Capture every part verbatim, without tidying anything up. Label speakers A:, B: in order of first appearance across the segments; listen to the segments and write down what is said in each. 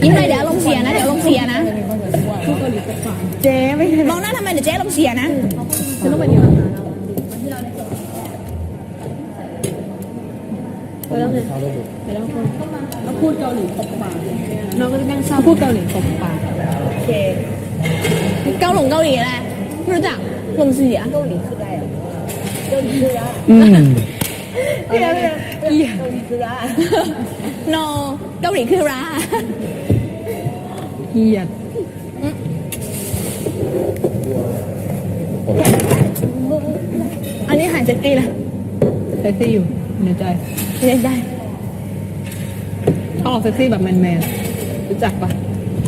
A: ยิ้มไปเดี๋ยวลงเสียนะเดี๋ยวลงเสียนะ
B: เจ๊ไม่ใช่
A: มองหน้าทำไมเดี๋ยวเจ๊ลงเสียนะ
B: ฉันต้องไปดีกว่าไปแล้วไงไปแล้วคนเราพูดเกาหลีตบปากน้องก็จะนั่งเศร้าพูดเกาหลีตบปากโอเค
A: เกาหลงเกาหลีอะไรไม่รู้จักลงเสีย
B: เกาหลีคืออะไรอ่ะเกาหลีคืออะไร
C: อืม
B: เกาหลีเกาหลีคืออะไร
A: โนเกาหลีคือรา
B: เกียด
A: อันนี้หายเซ็กซี่ละ
B: เซ็กซี่อยู่ในใจ
A: เล่นได้
B: เขาออกเซ็กซี่แบบแมนแมนรู้จักปะ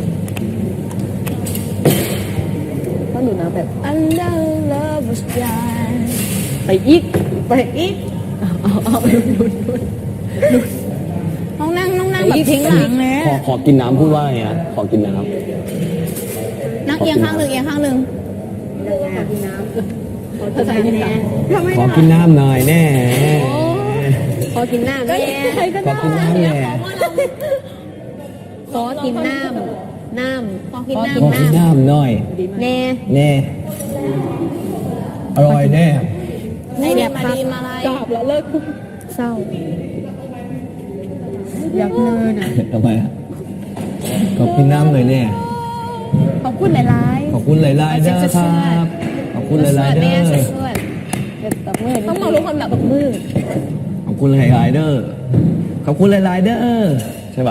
B: ต้องดูนะแบบ
A: Under love was blind
B: ไปอีกไปอีกเอาเอาเอาดูดูดู
A: น้องนั่งน้องนั่งแบบทิ้งหลังเลย
C: ขอขอกินน้ำพูดว่าไงฮะขอกินน้
A: นั่งเอียงข้างหนึ่งเอียงข้างหนึ่ง
B: ภาษาญี่ปุ่นทำไม
C: ำขอกินน้ำหน่อยแน่
B: ขอกินน้ำแน่
C: ขอกินน้ำแน่
B: ขอกินน้ำน้ำ
A: ขอกิน
C: ขอ
A: น้
C: กินน้ำหน่อย
B: แน่
C: แน่อร่อยแน่
A: ำไอเดียมาดีมาอะไร
B: กลับแล้วเลิกเศร้าอยากเนินอ่ะ
C: ทำไมอะขอกินน้ำหน่อยแน่
A: ขอบคุณหลาย
C: ขอบคุณหลายๆเด้อครับขอบคุณหลายๆเด้อ
A: ๆต้องมองทุกคนแบบแบบมือ
C: ขอบคุณหลายๆเด้อขอบคุณหลายๆเด้อใช่ป่ะ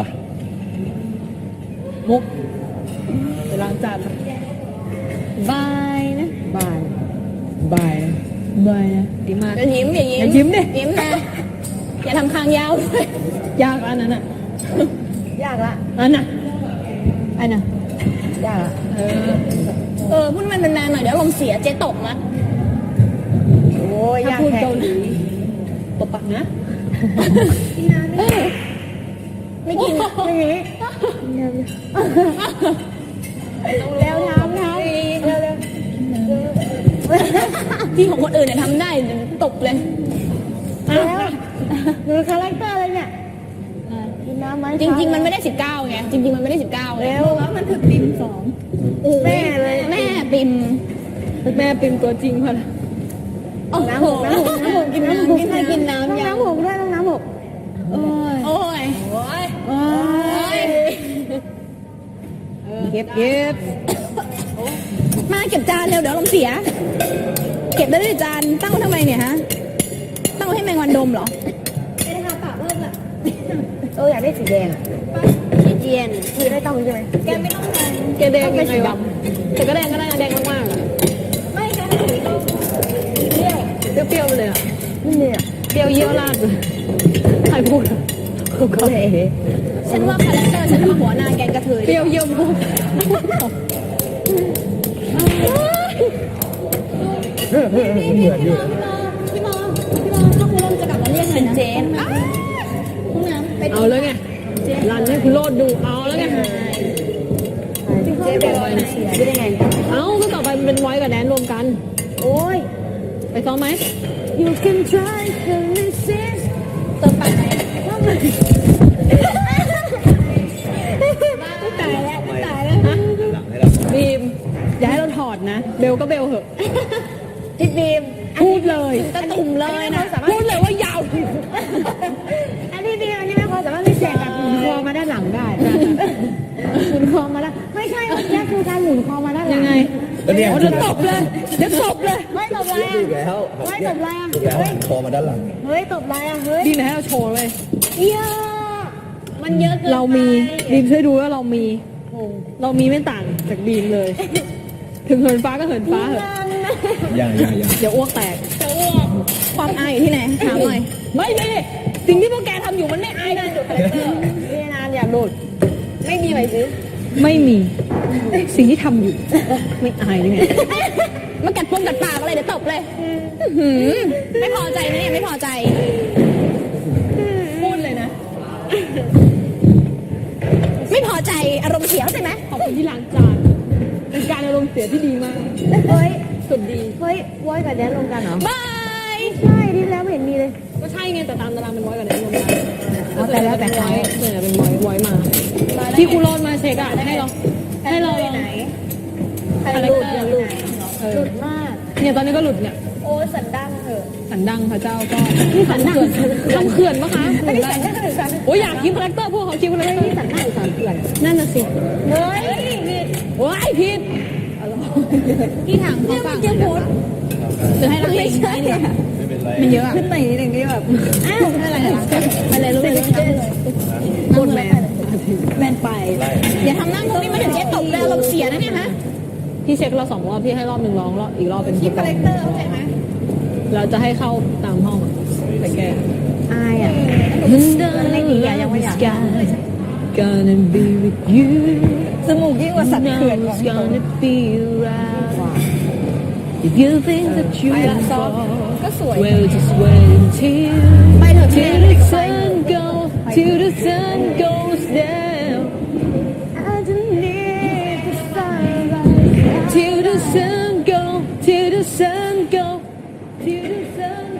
B: มุกไปล้างจาน
A: บายนะ
B: บายบายบายนะดีมาก
A: อย่ายิ้มอย่ายิ้ม
B: อย่ายิ้มดิ
A: ยิ้มนะอย่าทำคางยาวด้วย
B: ยากอันนั้นอ่ะ
A: ยากละ
B: อันน่ะ
A: อันน่ะ
B: ยากอ่ะเออ
A: เออพูดมันนานๆหน่อยเดี๋ยวลมเสียเจ๊ตกนะ
B: โอ้ยถ้าพูดเกาหลีตบปากนะ
A: เอ้ยไม่กินไม่มีแล้วทำทำเร็วเร็วที่ของคนอื่นเนี่ยทำได้เดี๋ยวตบเลย
B: แล้วหนูคาแรคเตอร์อะไรเนี่ยกินน้ำไหม
A: จริง ๆ มันไม่ได้สิบเก้าไงจริง ๆ มันไม่ได้สิบเก้าไง
B: แล้วแล้วมันคือปิมสองแม่เลย
A: แม่ปิม
B: แม่ปิมตัวจริงพอละ
A: โอ้โห
B: น้ำหกน้ำหกน้ำหก
A: กินน้ำกินน้ำกินน้ำ
B: น้ำหกด้วยน้ำหก
A: โอ้ยโอ้ยโอ้ยโอ้ย
B: เก็บเก็บ
A: มาเก็บจานเร็วเดี๋ยวลมเสีย เก็บได้ด้วยจานตั้งไว้ทำไมเนี่ยฮะตั้งไว้ให้แมงวันดมเหรอ
B: ไม่ได้ทาปากเพิ่มอ่ะเอออยากได้สีแดงสีเจียนคือได้ต้องใช่ไหม
A: แกไม่ต้องการ
B: แกแดงยังไงวะแต่ก็แดงก็ได้นะแดงมากๆอ่ะ
A: ไม่แค่สีก็เปรี้ยว
B: เปรี้ยวๆไปเลยอ่ะนี่เนี่ยเปรี้ยวเยี่ยวราดเลยใครพูดอ่ะเขาก็เลย
A: ฉันว่าคาแรคเตอร์ฉันมาหัวหน้าแกงกระเทย
B: เปรี้ยวเยี่ยวพูด
A: พี่มอพี่มอพี่มอถ้าคุณลมจะกลับมาเรียกเป็นเจนนะห้องน้ำไป
B: เอาแล้วไงรันให้คุณโลดดูเอาแล้วไง
A: เจ๊เป็นวันเสียได้ไง
B: เอาก็ต่อไปมันเป็นไว้กับแดนรวมกัน
A: โอ้ย
B: ไปซ้อมไหม
A: You can try to resist เติมปากไหนตายแล้วตายแล้ว
B: บีมอย่าให้เราถอดนะ เบลก็เบลเหอะ
A: พี่บีม
B: พูดเลย
A: กระตุ่มเลยนะ
B: พูดเลยว่ายาว
A: อันนี้บีมอันนี้ไม่พอสามารถพิเศษแบบหมุนคอมาด้านหลังได้หมุนคอมาด้านไม่ใช่นี่คือการหมุนคอมาด้านหลั
B: ยังงไง
C: ก็เนี่ย
B: เดี๋ยวตบเลยเดี๋ยวตบเลย
A: ไม่ตบอะไรอ่ะ
C: ถูกแล้ว
A: ไม่ตบอะไรอ่ะ
C: ถูกแล้วหันคอมาด้านหลัง
A: เฮ้ยตบอะไรอ่ะเฮ้ย
B: บีมให้เราโชว์เลย
A: เยอะมันเยอะเกิน
B: เรามีบีมช่วยดูว่าเรามี เรามีไม่ต่างจากบีมเลย ถึงเหินฟ้าก็เหินฟ้าเหอะ
C: ยังยังยัง
B: เดี๋ยวอ้วกแตก
A: จะอ้วกความอายอยู่ที่ไหนถามหน่อย
B: ไม่มีสิ่งที่พวกแกทำอยู่มันไม่อายนะ
A: พี่นานอยากโดดไม่มีไหมซื้อ
B: ไม่มี สิ่งที่ทำอยู่ ไม่อายเลยไง
A: มากัดปงกัดปากอะไรเดี๋ยวตบเลยอื้อหือไม่พอใจนะเนี่ยไม่พอใจ
B: พูดเลยนะ
A: ไม่พอใจอารมณ์เสียใช่ไหม
B: ขอบคุณที่ล้างจาน เป็นการอารมณ์เสียที่ดีมาก
A: เฮ้ย
B: สุดดี
A: เฮ้ยไว้กับแดนลงกันเหรอบาย
B: ใช่ที่แล้วไม่เห็นมีเลย ก็ใช่ไงแต่ตามตารางเป็นร้อยกับแดนรวมกัน
A: เอาแต่แล้วแต่
B: ไว้
A: เขา
B: ส่วนใหญ่เป็นไว้ไว้มา ที่ครูรอดมาเช็คอะให้เราให้เราลอง
A: ใครหลุดอย่าหลุด
B: เอ
A: ห
B: อ
A: ลุดมาก
B: เนี่ยตอนนี้ก็หลุดเนี่ย
A: โอ้สันดังเถอะ
B: สันดังพระเจ้าก็นี่สันดังทำเขื่อนปะคะ
A: ไม่ได้สันดังหรือสัน
B: โอ้ยอยากคิดคาแรคเตอร์พวกเขาคิดคาแรคเตอร์
A: นี่สันดังหรือสันเขื่อน
B: นั่นน่ะสิ
A: เฮ้ยผิด
B: ว้ายผิด
A: ที่ถามเขาฟังจะพูด
B: จะให้เราเล่นได้เนี่ย
C: ไม่เป็นไร
B: มันเยอะอะ
A: ขึ้นไปนิดนึงที่แบบอ้าวอะไรนะ
B: อะไรรู้ไหม
A: หมดแมนแมนไป
C: ไล่
A: อย่าทำหน้างงนี่มาถึงแค่ตบแล้วเราเสียนะเนี่ยฮะ
B: พี่เช็คเราสองรอบพี่ให้รอบหนึ่งร้องรอบอีกรอบเป็น
A: คิดคาแรคเตอร์เข้าใจไหม
B: เราจะให้เข้าตามห้องอะไปแก้
A: อายอ่ะ
B: มันไม่ดีอะยังไม่อยาก Gonna be with you
A: จมูกยิ่งกว่าสัตว์เขื่อนของ
B: It's gonna be right If you think that you
A: ไป
B: are
A: ละซอฟ
B: far
A: ก็สวย
B: Well just wait until
A: ไปเถอะ
B: Till the sun goes Till the sun goes down
A: I don't need the sunrise
B: Till the sun go Till the sun go Till the sun